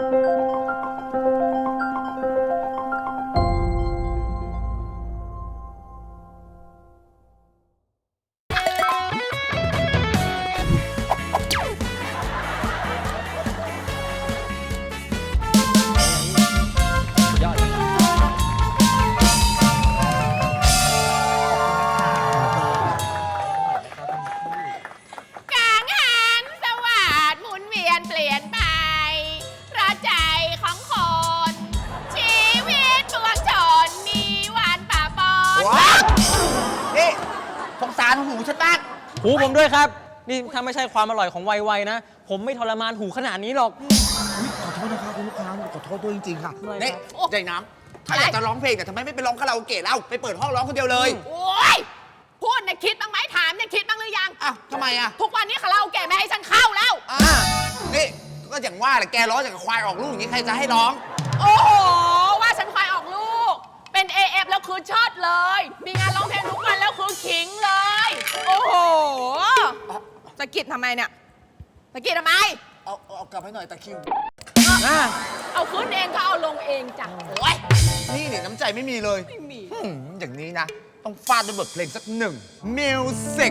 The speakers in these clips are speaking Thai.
หูผมด้วยครับนี่ถ้าไม่ใช่ความอร่อยของไวๆนะผมไม่ทรมานหูขนาดนี้หรอกขอโทษนะครับคุณลูกค้าขอโทษด้วยจริงๆค่ะนี่ใจน้ำถ้าอยากจะร้องเพลงแต่ทำไมไม่ไปร้องคาราโอเกะเล่าไปเปิดห้องร้องคนเดียวเลยโอ๊ยพูดเนี่ยคิดบ้างไหมถามเนี่ยคิดบ้างหรือยังอ้าวทำไมอ่ะทุกวันนี้คาราโอเกะไม่ให้ฉันเข้าแล้วนี่ก็อย่างว่าแหละแกร้องอย่างกับควายออกลูกอย่างนี้ใครจะให้ร้องโอ้โหว่าฉันควายออกลูกเป็น AF แล้วคือเชิดเลยมีงานร้องเพลงทุกวันแล้วคือขิงเลยโอ้โหตะกิดทำไมเนี่ยตะกิดทำไมเอากลับให้หน่อยตะคิวเอาขึ้นเองก็เอาลงเองจ้ะโอ้ยนี่เนี่ยน้ำใจไม่มีเลยไม่มีอย่างนี้นะต้องฟาดด้วยบทเพลงสักหนึ่งมิวสิก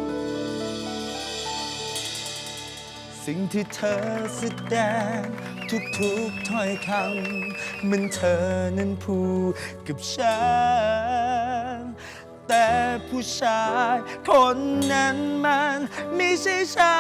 สิ่งที่เธอแสดงทุกๆถ้อยคำมันเธอนั้นพูดกับฉันแต่ผู้ชายคนนั้นมันไม่ใช่ฉั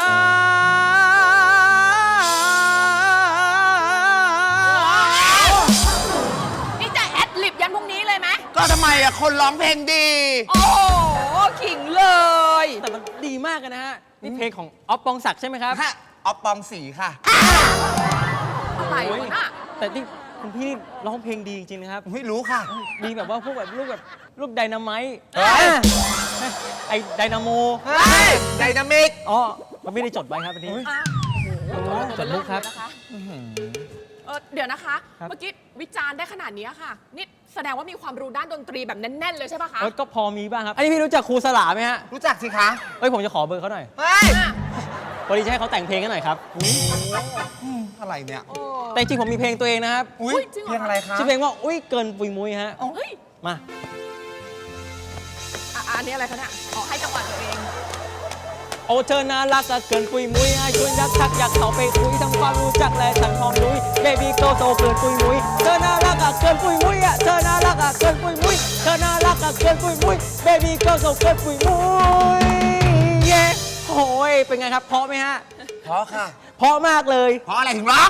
นนี่จะแอดลิบยันพรุ่งนี้เลยไหมก็ทำไมอะคนร้องเพลงดีโอ้โหขิงเลยแต่มันดีมากนะฮะนี่เพลงของอ๊อฟปองศักดิ์ใช่ไหมครับอ๊อฟปองศรีค่ะอะไรวะน่ะแต่ที่คุณพี่ร้องเพลงดีจริงๆนะครับไม่รู้ค่ะดีแบบว่าพวกแบบลูกไดนาไมต์ไอไดนาโมไดนามิกอ๋อมันไม่ได้จดไว้ครับอันนี้จดลูกครับเดี๋ยวนะคะเมื่อกี้วิจารณ์ได้ขนาดนี้ค่ะนี่แสดงว่ามีความรู้ด้านดนตรีแบบแน่นๆเลยใช่ปะคะก็พอมีบ้างครับอันนี้พี่รู้จักครูสลาไหมฮะรู้จักสิคะผมจะขอเบอร์เขาหน่อยพอดีจะให้เขาแต่งเพลงให้หน่อยครับอะไรเนี่ยแต่จริงผมมีเพลงตัวเองนะครับเพลงอะไรคะชื่อเพลงว่าอุ้ยเกินปุยมุ้ยฮะมาอันนี้อะไรคะเนี่ยให้จังหวะตัวเองโอ้เธอน่ารักเกินปุยมุ้ยชวนยักทักอยากเข้าไปคุยทำความรู้จักและทั้งความรู้เบบี้โตโตเกินปุยมุ้ยเธอน่ารักเกินปุยมุ้ยเธอน่ารักเกินปุยมุ้ยเธอน่ารักเกินปุยมุ้ยเบบี้โตโตเกินปุยมุ้ยเย้โอ้ยเป็นไงครับเพราะไหมฮะเพราะค่ะเพราะมากเลยเพราะอะไรถึงร้อง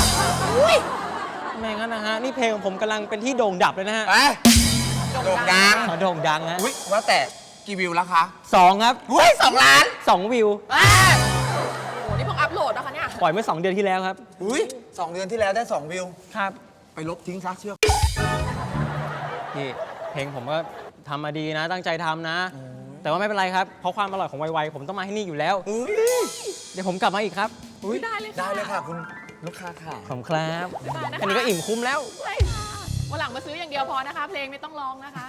ไม่งั้นนะฮะนี่เพลงของผมกำลังเป็นที่โด่งดับเลยนะฮะโด่งดังโด่งดังฮะว่าแต่กี่วิวแล้วคะ 2ครับ 2 ล้าน 2 วิวโอ้นี่เพิ่งอัพโหลดนะคะเนี่ยปล่อยเมื่อ2 เดือนที่แล้วครับ 2 เดือนที่แล้วได้2 วิวครับไปลบทิ้งซะเชื่อพี่เพลงผมก็ทำมาดีนะตั้งใจทำนะแต่ว่าไม่เป็นไรครับเพราะความอร่อยของไวๆผมต้องมาให้นี่อยู่แล้วเดี๋ยวผมกลับมาอีกครับได้เลยค่ะคุณลูกค้าค่ะขอบคุณครับอันนี้ก็อิ่มคุ้มแล้ววันหลังมาซื้ออย่างเดียวพอนะคะเพลงไม่ต้องร้องนะคะ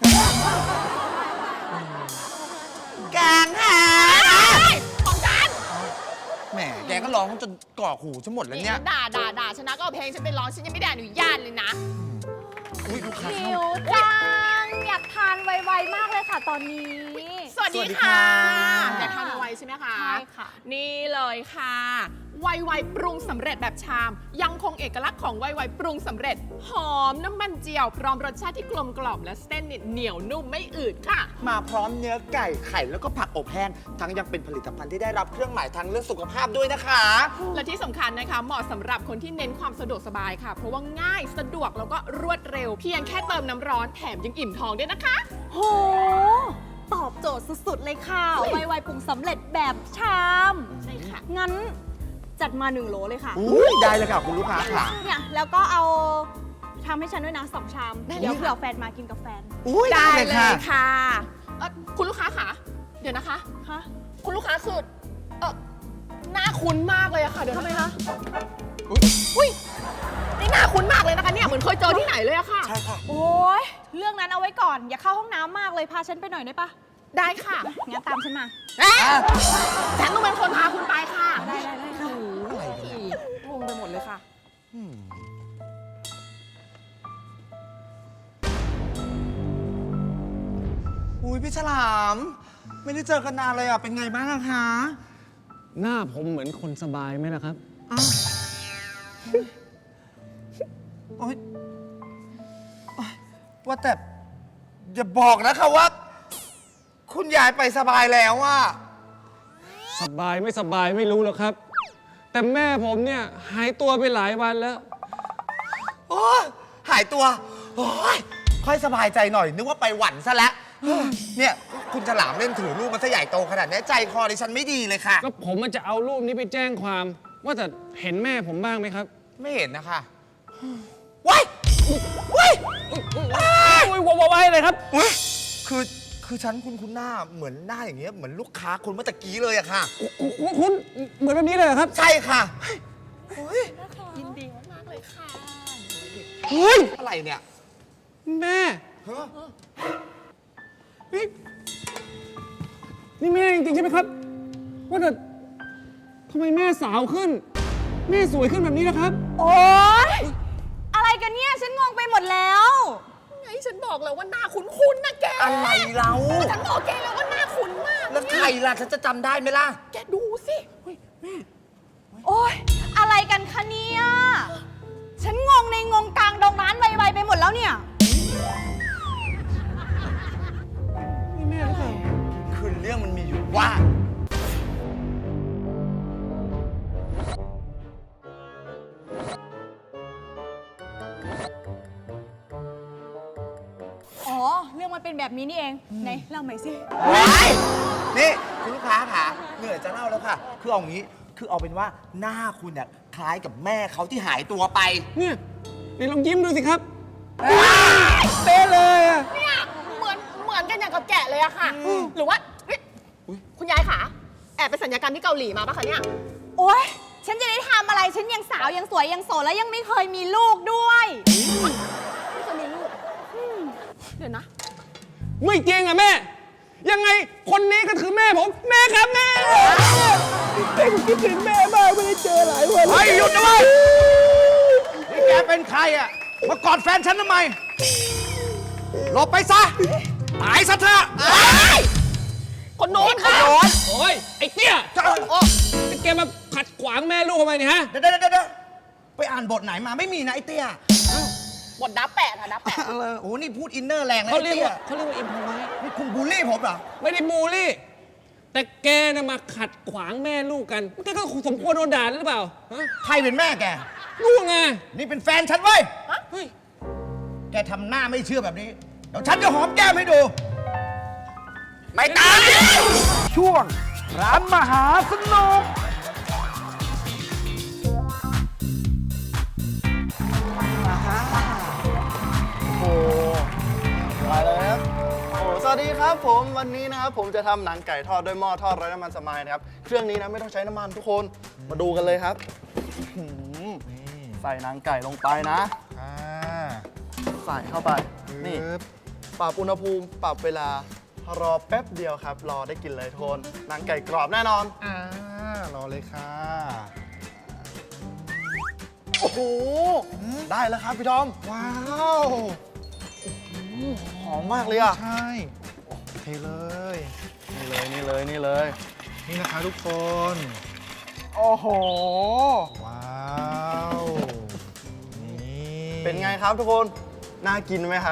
กลางหาของฉันแหมแกก็ร้องจนก่อหูฉันหมดแล้วเนี่ยด่าฉันนะก็เอาเพลงฉันไปร้องฉันยังไม่ได้อนุญาตเลยนะลูกค้าหิวจังอยากทานไวๆมากเลยค่ะตอนนี้สวัสดีค่ะอยากทานไวใช่ไหมคะใช่ค่ะนี่เลยค่ะไวปรุงสำเร็จแบบชามยังคงเอกลักษณ์ของไวปรุงสำเร็จหอมน้ำมันเจียวพร้อมรสชาติที่กลมกล่อมและเส้นเหนียวนุ่มไม่อืดค่ะมาพร้อมเนื้อไก่ไข่แล้วก็ผักอบแห้งทั้งยังเป็นผลิตภัณฑ์ที่ได้รับเครื่องหมายทางเรื่องสุขภาพด้วยนะคะและที่สำคัญนะคะเหมาะสำหรับคนที่เน้นความสะดวกสบายค่ะเพราะว่าง่ายสะดวกแล้วก็รวดเร็วเพียงแค่เติมน้ำร้อนแถมยังอิ่มท้องด้วยนะคะโหตอบโจทย์สุดๆเลยค่ะไวปรุงสำเร็จแบบชามใช่ค่ะงั้นจัดมา1 โหลเลยค่ะได้เลยค่ะคุณลูกค้าค่ะเนี่ยแล้วก็เอาทำให้ฉันด้วยนะ2 ชามเดี๋ยวเผื่อแฟนมากินกับแฟนได้เลยค่ะคุณลูกค้าค่ะเดี๋ยวนะคะคุณลูกค้าคือหน้าคุ้นมากเลยอะค่ะเดี๋ยวทำไมคะอุ้ยนี่หน้าคุ้นมากเลยนะคะเนี่ยเหมือนเคยเจอที่ไหนเลยอะค่ะใช่ค่ะโอ้ยเรื่องนั้นเอาไว้ก่อนอย่าเข้าห้องน้ำมากเลยพาฉันไปหน่อยได้ปะได้ค่ะงั้นตามฉันมาฉันต้องเป็นคนพาคุณไปค่ะได้ค่ะงงไปหมดเลยค่ะอุ้ยพี่ฉลาม ไม่ได้เจอกันนานเลยอ่ะ เป็นไงบ้างอะคะหน้าผมเหมือนคนสบายไหมล่ะครับโอ๊ยโอ๊ยว่าแต่อย่าบอกนะคะว่า คุณยายไปสบายแล้วอ่ะสบายไม่สบายไม่รู้หรอกครับ แต่แม่ผมเนี่ยหายตัวไปหลายวันแล้วโอ้ยหายตัว โอ้ยค่อยสบายใจหน่อย นึกว่าไปหวันซะแล้ว เนี่ย คุณฉลามเล่นถือรูปมันซะใหญ่โตขนาดนี้ใจคอดิฉันไม่ดีเลยค่ะก็ผมมันจะเอารูปนี้ไปแจ้งความ ว่าแต่เห็นแม่ผมบ้างไหมครับไม่เห็นนะคะว้ายว้ายอุ้ยว้ายเลยครับว้ายคือฉันคุณหน้าเหมือนหน้าอย่างเงี้ยเหมือนลูกค้าคุณเมื่อตะกี้เลยอะค่ะคุณเหมือนแบบนี้เลยเหรอครับใช่ค่ะเฮ้ยยินดีมากๆเลยค่ะเฮ้ยอะไรเนี่ยแม่ฮะนี่แม่จริงๆใช่ไหมครับ ว่าแต่ทำไมแม่สาวขึ้น แม่สวยขึ้นแบบนี้นะครับโอ๊ย อะไรกันเนี่ย ฉันงงไปหมดแล้วไงฉันบอกแล้วว่าหน้าคุ้นๆนะแกอะไรเราฉันบอกแกแล้วว่าหน้าคุ้นมากแล้วใครล่ะฉันจะจำได้ไหมล่ะแกดูสิโอ๊ย อะไรกันคะเนี่ย ฉันงงในงงกลางดงร้านไวๆไปหมดแล้วเนี่ยนี่แม่หรือเปล่าคือเรื่องมันมีอยู่ว่าอ๋อ เรื่องมันเป็นแบบนี้นี่เอง ไหนเล่าใหม่สินี่คุณลูกค้าค่ะเหนื่อยจะเล่าแล้วค่ะ คือเอางี้คือเอาเป็นว่าหน้าคุณเนี่ยคล้ายกับแม่เขาที่หายตัวไปเนี่ยไหนลองยิ้มดูสิครับเป๊ะเลยอะเนี่ยเหมือนกันอย่างกับแกะเลยอะค่ะ หรือว่าเฮ้ยคุณยายขาแอบไปสัญญกรรมที่เกาหลีมาปะคะเนี่ยโอ๊ย ฉันจะได้ทำอะไร ฉันยังสาวยังสวยยังโสดแล้วยังไม่เคยมีลูกด้วยไม่เคยมีลูกเดี๋ยวนะไม่จริงอะแม่ ยังไงคนนี้ก็คือแม่ผม แม่ครับแม่ผมคิดถึงแม่มากไม่ได้เจอหลายวันเฮ้ยหยุดนะเว้ยนี่แกเป็นใครอ่ะ มากอดแฟนฉันทำไม หลบไปซะ ตายซะเถอะคนโน้นค่ะโอ้ยไอ้เตี้ยแกมาขัดขวางแม่ลูกทำไมเนี่ยฮะเดี๋ยวไปอ่านบทไหนมาไม่มีนะไอ้เตี้ยบทดับแปะค่ะดับแปะโอ้โหนี่พูดอินเนอร์แรงนะเขาไอ้เรียกเตี้ยว่าเขาเรียกว่าอิมพอไว้นี่คุณบูลลี่ผมเหรอไม่ได้บูลลี่ แต่แกน่ะมาขัดขวางแม่ลูกกันแกก็สมควรโดนด่าหรือเปล่าฮะใครเป็นแม่แกลูกไงนี่เป็นแฟนฉันเว้ยเฮ้ยแกทำหน้าไม่เชื่อแบบนี้ เดี๋ยวฉันจะหอมแก้มให้ดูไม่ตายช่วงร้านมหาสนุกโอ้มาเลยครับโอ้สวัสดีครับผมวันนี้นะครับผมจะทำหนังไก่ทอดด้วยหม้อทอดไร้น้ำมันสมายนะครับเครื่องนี้นะไม่ต้องใช้น้ำมันทุกคนมาดูกันเลยครับหืมใส่หนังไก่ลงไปนะใส่เข้าไปนี่ปรับอุณหภูมิปรับเวลารอแป๊บเดียวครับ รอได้กินเลยทุกคนหนังไก่กรอบแน่นอนรอเลยค่ะโอ้โหได้แล้วครับพี่ทอมว้าวหอมมากเลยอ่ะใช่เทเลยนี่เลยนี่นะคะทุกคนโอ้โหว้าว นี่เป็นไงครับทุกคน น่ากินไหมครับ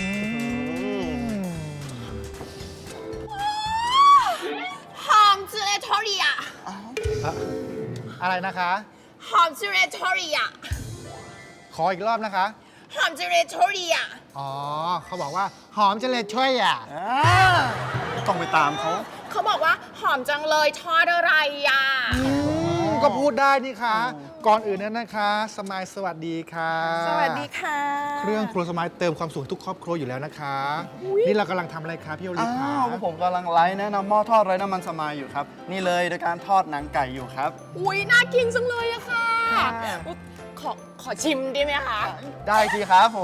หอมจูเลทอรีอะอะไรนะคะหอมจูเลทอรีอะขออีกรอบนะคะหอมจูเลทอรีอะอ๋อ เขาบอกว่าหอมจะเลยช่วยอ่ะต้องไปตามเขาเขาบอกว่าหอมจังเลยทอดอะไรอะก็พูดได้นี่คะ ก่อนอื่นนั้นนะคะ สมายสวัสดีค่ะสวัสดีค่ะเครื่องครัวสมายเติมความสุขให้ทุกครอบครัวอยู่แล้วนะคะ นี่เรากำลังทำอะไรคะพี่โอลิฟคะอ้าวผมกำลังไลฟ์แนะนำหม้อทอดไร้น้ำมันสมายอยู่ครับ นี่เลยโดยการทอดหนังไก่อยู่ครับอุ้ยน่ากินจังเลยอะค่ะค่ะอุ๊ยขอชิมได้ไหมคะได้ทีครับผม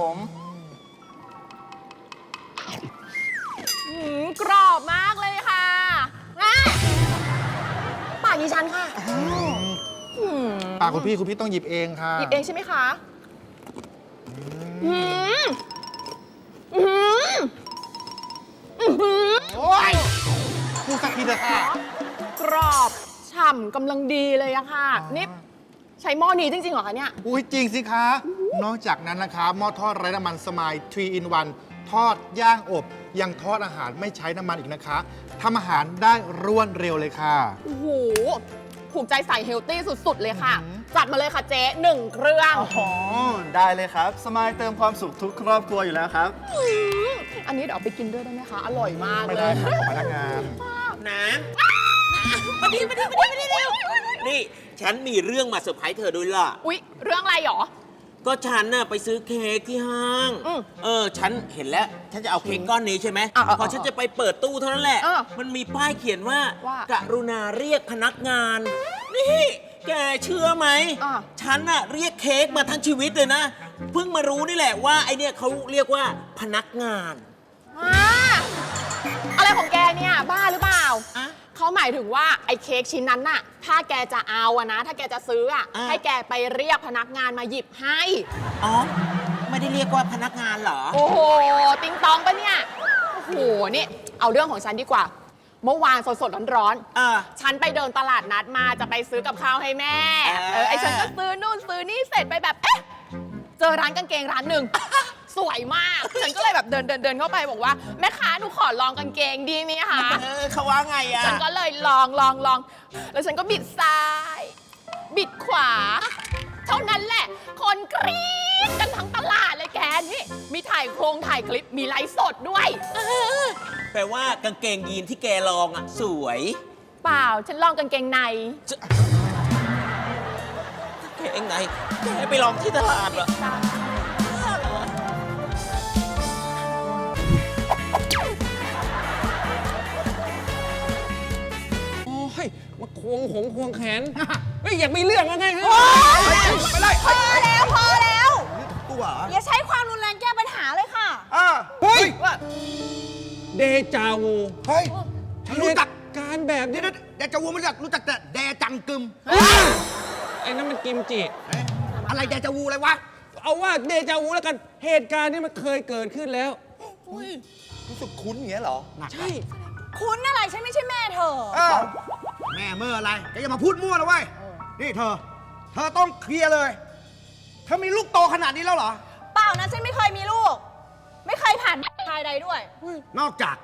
กรอบมากเลยค่ะแม่ปากดิฉันค่ะคคุณพี่ต้องหยิบเองค่ะหยิบเองใช่ไหมคะอืมอืมอืมโอ้ยพูดสักทีเถอะค่ะกรอบฉ่ำกำลังดีเลยอะค่ะ นี่ใช้หม้อนี้จริงๆเหรอคะเนี่ยอุ้ยจริงสิคะ นอกจากนั้นนะคะหม้อทอดไร้น้ำมันสมาย 3 in 1 ทอดย่างอบยังทอดอาหารไม่ใช้น้ำมันอีกนะคะทำอาหารได้รวดเร็วเลยค่ะโอ้โหถูกใจใส่เฮลตี้สุดๆเลยค่ะ จัดมาเลยค่ะเจ๊1 เครื่องอ๋อ ได้เลยครับ สมายเติมความสุขทุกครอบครัวอยู่แล้วครับอันนี้เดี๋ยวเอาไปกินด้วยได้ไหมคะ อร่อยมากไม่เลได้ยครับของพนักงานน้ำมาดิเร็ว นี่ฉันมีเรื่องมาเซอร์ไพรส์เธอด้วยล่ะอุ๊ย เรื่องอะไรหรอก็ฉันน่ะไปซื้อเค้กที่ห้าง ฉันเห็นแล้ว ฉันจะเอาเค้กก้อนนี้ใช่ไหม พอฉันจะไปเปิดตู้เท่านั้นแหละ มันมีป้ายเขียนว่า กรุณาเรียกพนักงาน นี่ แกเชื่อไหม ฉันน่ะเรียกเค้กมาทั้งชีวิตเลยนะ เพิ่งมารู้นี่แหละว่าไอเนี่ยเขาเรียกว่าพนักงานอะไรของแกเนี่ย บ้าหรือเปล่า เขาหมายถึงว่าไอ้เค้กชิ้นนั้นน่ะ ถ้าแกจะเอาอะนะ ถ้าแกจะซื้ออะให้แกไปเรียกพนักงานมาหยิบให้อ๋อ ไม่ได้เรียกว่าพนักงานเหรอโอ้โห ติงตองปะเนี่ย โอ้โห นี่ เอาเรื่องของฉันดีกว่า เมื่อวานสดๆร้อน ฉันไปเดินตลาดนัดมาจะไปซื้อกับข้าวให้แม่ ไอ้ฉันก็ซื้อนู่นซื้อนี่เสร็จไปแบบ เอ๊ะ เจอร้านกางเกงร้านหนึ่ง สวยมาก ฉันก็เลยแบบเดินเข้าไปบอกว่าแม่ค้าหนูขอลองกางเกงดีไหมคะเขาว่าไงอะฉันก็เลยลอง แล้วฉันก็บิดซ้าย บิดขวา เท่านั้นแหละ คนกรี๊ดกันทั้งตลาดเลยแกนี่ มีถ่ายโครงถ่ายคลิป มีไลฟ์สดด้วยแปลว่ากางเกงยีนที่แกลองอะสวยเปล่า ฉันลองกางเกงในแกเองไงแกไปลองที่ตลาดเหรอโอ้ย มาควงแขน เฮ้ย อยากมีเรื่องอะไรไงไปเลยพอแล้วตัวเหรออย่าใช้ความรุนแรงแก้ปัญหาเลยค่ะเฮ้ยเดจาวูเฮ้ย ฉันรู้จักการแบบนี้เดจาวูไม่รู้จักแต่แดจังกึมไอ้นั่นมันกิมจิอะไรแดจาวูอะไรวะเอาว่าเดจาวูแล้วกัน เหตุการณ์นี้มันเคยเกิดขึ้นแล้วรู้สึกคุ้นอย่างเงี้ยเหรอใช่คุณอะไรฉันไม่ใช่แม่เธอแม่เมื่ออะไรแกอย่ามาพูดมั่วนะเว้ย นี่เธอต้องเคลียร์เลย เธอมีลูกโตขนาดนี้แล้วเหรอเปล่านะฉันไม่เคยมีลูก ไม่เคยผ่านชายใดด้วยนอกจาก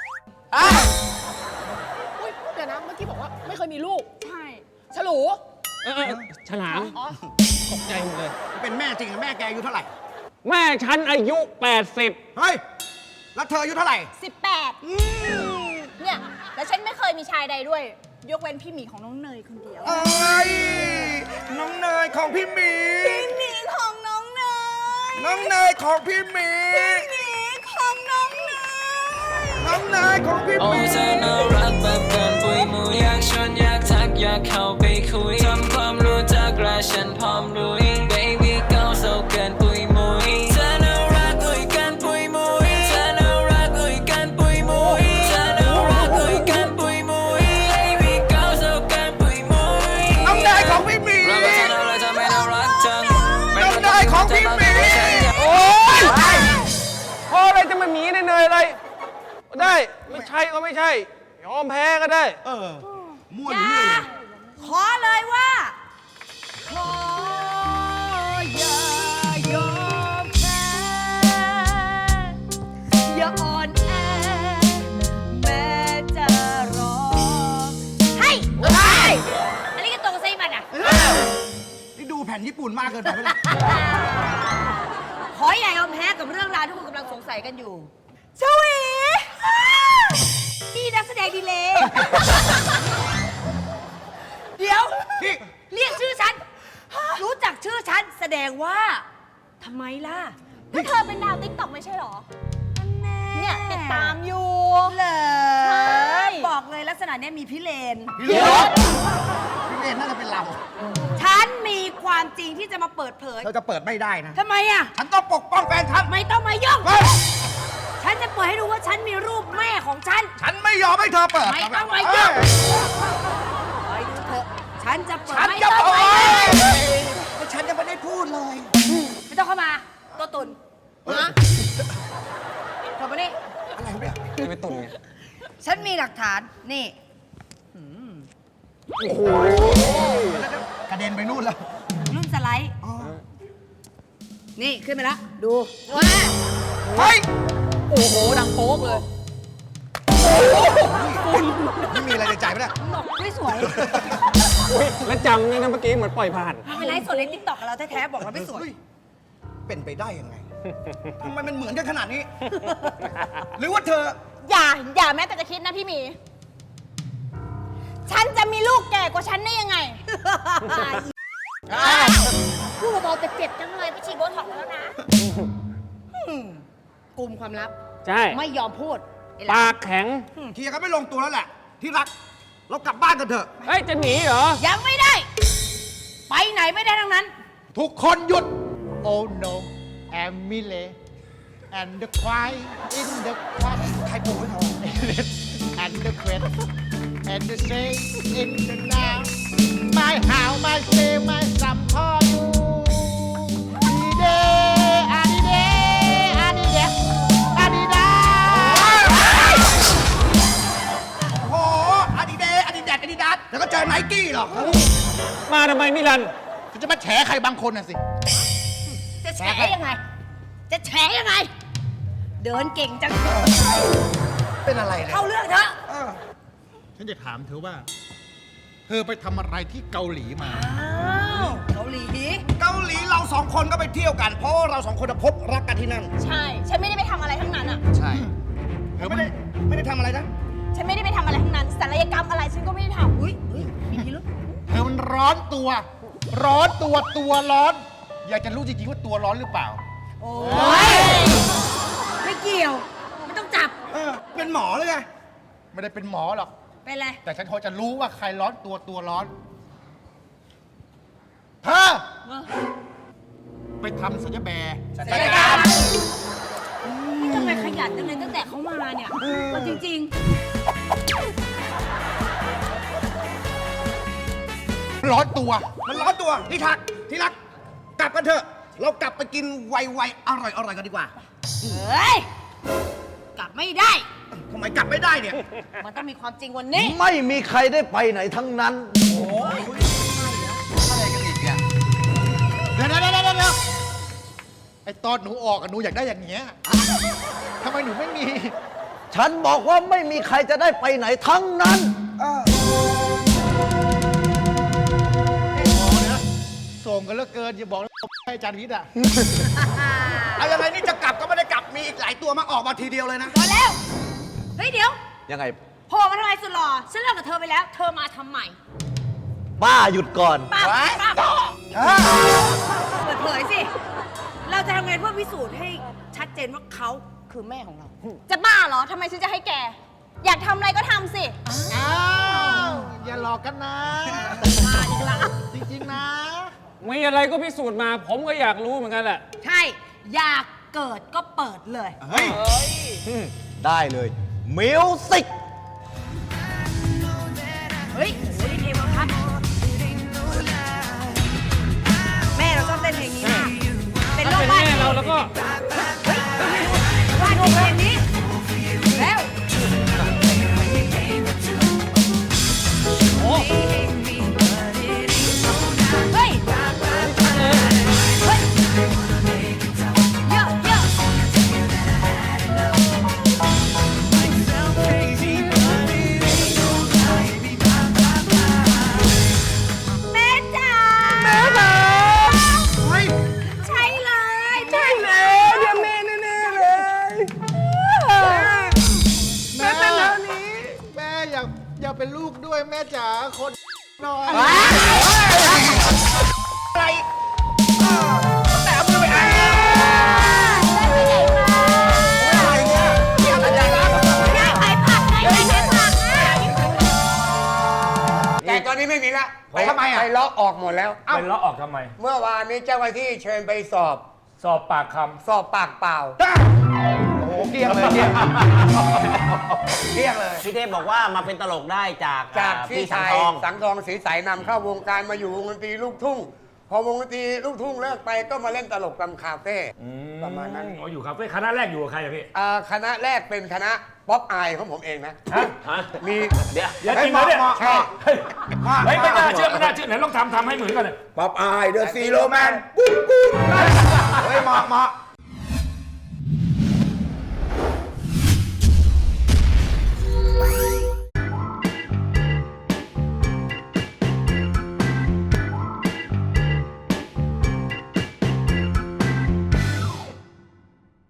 อุ้ยเดี๋ยวนะ เมื่อกี้บอกว่าไม่เคยมีลูกใช่ฉลูฉลามอ๋อตกใจหมดเลยเป็นแม่จริงอะแม่แกอายุเท่าไหร่แม่ฉันอายุ 80 เฮ้ย แล้วเธออายุเท่าไหร่ 18เนี่ย แล้วฉันไม่เคยมีชายใดด้วย ยกเว้นพี่หมีของน้องเนยคนเดียวเอ้ย น้องเนยของพี่หมีพี่หมีของน้องเนยน้องเนยของพี่หมีพี่หมีของน้องเนยน้องเนยของพี่หโอ้มีเธอน่ารักแบบเกินปุยมุยอยากชวนอยากทักอยากเข้าไปคุยทำความรู้จักและฉันพร้อมลุย baby girl so เกินปุยมุยเธอน่ารักอุ้ยเกินปุยมุยเธอน่ารักอุ้ยเกินปุยมุยเธอน่ารักอุ้ยเกินปุยมุย baby girl so เกินปุยมุยน้องเนยของพี่หมีเราก็เธอน่ารักเธอไม่น่ารักจังน้องเนยของพี่หมีโอ้ยพออะไรจะมาหมีเนยๆอะไร ได้ ไม่ใช่ก็ไม่ใช่ ยอมแพ้ก็ได้มั่วอยู่นี่เลยขอเลยว่า ขออย่ายอมแพ้อย่าอ่อนแอ แม้จะรอให้อันนี้ก็ตรงไซมันอ่ะนี่ดูแผ่นญี่ปุ่นมากเกินไปไหมเนี่ยขออย่ายอมแพ้กับเรื่องราวที่คุณกำลังสงสัยกันอยู่ชวีนี่นักแสดงดีเลย เดี๋ยวนี่เรียกชื่อฉัน รู้จักชื่อฉัน แสดงว่าทำไมล่ะก็เธอเป็นดาวติ๊กต็อกไม่ใช่หรอ เนี่ยติดตามอยู่เหรอใช่บอกเลยลักษณะเนี้ยมีพิเรนพี่เลนพี่เลนน่าจะเป็นเราฉันมีความจริงที่จะมาเปิดเผยเธอจะเปิดไม่ได้นะทำไมอ่ะฉันต้องปกป้องแฟนฉันไม่ต้องมายุ่งเฮ้ยฉันจะเปิดให้ดูว่าฉันมีรูปแม่ของฉันฉันไม่ยอมให้เธอเปิดไม่ต้องมายุ่งเอ้ยคอยดูเถอะฉันจะเปิดฉันไม่จะต้องโอ้ไปยฉันยังไม่ได้พูดเลยไม่ต้องเข้ามาตัวตุนนะเธอมานี่อะไรเนี่ยไม่ตุ่นไงฉันมีหลักฐาน นี่กระเด็นไปนู่นแล้วรุ่นสไลด์ นี่ ขึ้นไปแล้ว ดูว้าเฮ้ยโอ้โห ดังโป๊กเลยไม่มีอะไรในใจไหมเนี่ยบอกไม่สวยแล้วจำเลยนะเมื่อกี้เหมือนปล่อยผ่านมันเป็นไลฟ์สดในติ๊กต็อกกับเราแท้ๆบอกเราไม่สวยเป็นไปได้ยังไง ทำไมมันเหมือนกันขนาดนี้ หรือว่าเธออย่าแม้แต่จะคิดนะพี่หมี ฉันจะมีลูกแก่กว่าฉันได้ยังไงพูดเบาๆแต่เจ็บจังเลยไปฉีดโบท็อกซ์มาแล้วนะกลุ่มความลับใช่ไม่ยอมพูดปากแข็งเคลียร์กันไม่ลงตัวแล้วแหละ ที่รัก เรากลับบ้านกันเถอะเฮ้ย จะหนีเหรอยังไม่ได้ ไปไหนไม่ได้ทั้งนั้นทุกคนหยุด Oh no, Emily and the cry in the cut ใครปูให้เขา and the quet and the say in the now. My how, my say, my some for you. Adide, adide, adide, adida. โอ้โหอาดิเดอาดิแดดอาดิดาสแล้วก็เจอไนกี้หรอกมาทำไมมิลันฉันจะมาแฉใครบางคนน่ะสิจะแฉยังไง จะแฉยังไง เดินเก่งจังเป็นอะไรเนี่ยเข้าเรื่องเถอะฉันจะถามเธอว่า เธอไปทำอะไรที่เกาหลีมาอ้าวเกาหลีเกาหลีเราสองคนก็ไปเที่ยวกัน เพราะว่าเราสองคนน่ะพบรักกันที่นั่นใช่ ฉันไม่ได้ไปทำอะไรทั้งนั้นอ่ะใช่เธอไม่ได้ทำอะไรนะฉันไม่ได้ไปทำอะไรทั้งนั้นศัลยกรรมอะไรฉันก็ไม่ได้ทำอุ้ยมีพิรุธเธอมันร้อนตัว ร้อนตัวตัวร้อน อยากจะรู้จริงๆว่าตัวร้อนหรือเปล่าโอ้ยไม่เกี่ยว ไม่ต้องจับเป็นหมอเลยไงไม่ได้เป็นหมอหรอกเป็นไรแต่ฉันพอจะรู้ว่าใครร้อนตัวร้อนเธอไปทำศัลยแบร์ศัลยกรรมนี่ทำไมขยันจังเลยตั้งแต่เขามาเนี่ยเอาจริงร้อนตัวมันร้อนตัวที่ทักที่รัก กลับกันเถอะ เรากลับไปกินไวๆอร่อยๆกันดีกว่าๆ เฮ้ย กลับไม่ได้ทำไมกลับไม่ได้เนี่ยมันต้องมีความจริงวันนี้ไม่มีใครได้ไปไหนทั้งนั้นอะไรกันอีกเนี่ยเดี๋ยวไอตอนหนูออกอะหนูอยากได้อย่างเงี้ยทำไมหนูไม่มีฉันบอกว่าไม่มีใครจะได้ไปไหนทั้งนั้นส่งกันเหลือเกิน อย่าบอกนะให้อาจารย์วิทย์อะเอายังไงนี่จะกลับก็ไม่ได้กลับ มีอีกหลายตัวมาออกมาทีเดียวเลยนะพอแล้ว เฮ้ยเดี๋ยวยังไงโผล่มาทำไมสุดหล่อ ฉันเลิกกับเธอไปแล้ว เธอมาทำใหม่ป้าหยุดก่อนป้าเปิดเผยสิ เราจะทำไงเพื่อพิสูจน์ให้ชัดเจนว่าเขาคือแม่ของเราจะบ้าเหรอ ทำไมฉันจะให้แก อยากทำอะไรก็ทำสิอ้าวอย่าหลอกกันนะมาดีกว่าจริงๆนะมีอะไรก็พิสูจน์มา ผมก็อยากรู้เหมือนกันแหละใช่ อยากเกิดก็เปิดเลยเฮ้ยได้เลย มิวสิกเฮ้ยโอ้โหนี่เทวพัฒน์แม่เราชอบเต้นเพลงนี้มากเป็นถ้าโรคเป็นบ้าแม่เราแล้วก็ว่าดูเพลงนี้ แล้วโอ้เฮ้ย เฮ้ย เยอะเยอะแม่จ๋าเฮ้ยใช่เลยใช่เลยแม่เป็นแล้วนี้ แม่อยากเป็นลูกด้วยแม่จ๋าคนหน่อยอะไรแต่เอามือไปอ่านอะไรเนี่ยเกี่ยวอะไรกันได้ขายผักได้ขายผักแต่ตอนนี้ไม่มีละทำไมอ่ะไปล็อกออกหมดแล้วเป็นล้อออกทำไมเมื่อวานนี้เจ้าหน้าที่เชิญไปสอบสอบปากคสอบปากเปล่าโอ้เกลี้ยงเลยเกลี้ยงเกลี้ยงเลยพี่เทพบอกว่ามาเป็นตลกได้จากจากพี่สังชายทองสังทองศรีใสนำเข้าวงการมาอยู่วงดนตรีลูกทุ่ง พอวงดนตรีลูกทุ่งเลิกไปก็มาเล่นตลกตามคาเฟ่ประมาณนั้นอ๋ออยู่คาเฟ่คณะแรกอยู่กับใครอะพี่คณะแรกเป็นคณะป๊อปอายของผมเองนะ มีเดี๋ยวจริงเหรอเนี่ยใช่เฮ้ยไม่น่าเชื่อไม่น่าเชื่อไหนลองทำให้เหมือนกันเลยป๊อปอายเดอะซีโรแมนปุ๊บปุ๊บเฮ้ยเหมาะ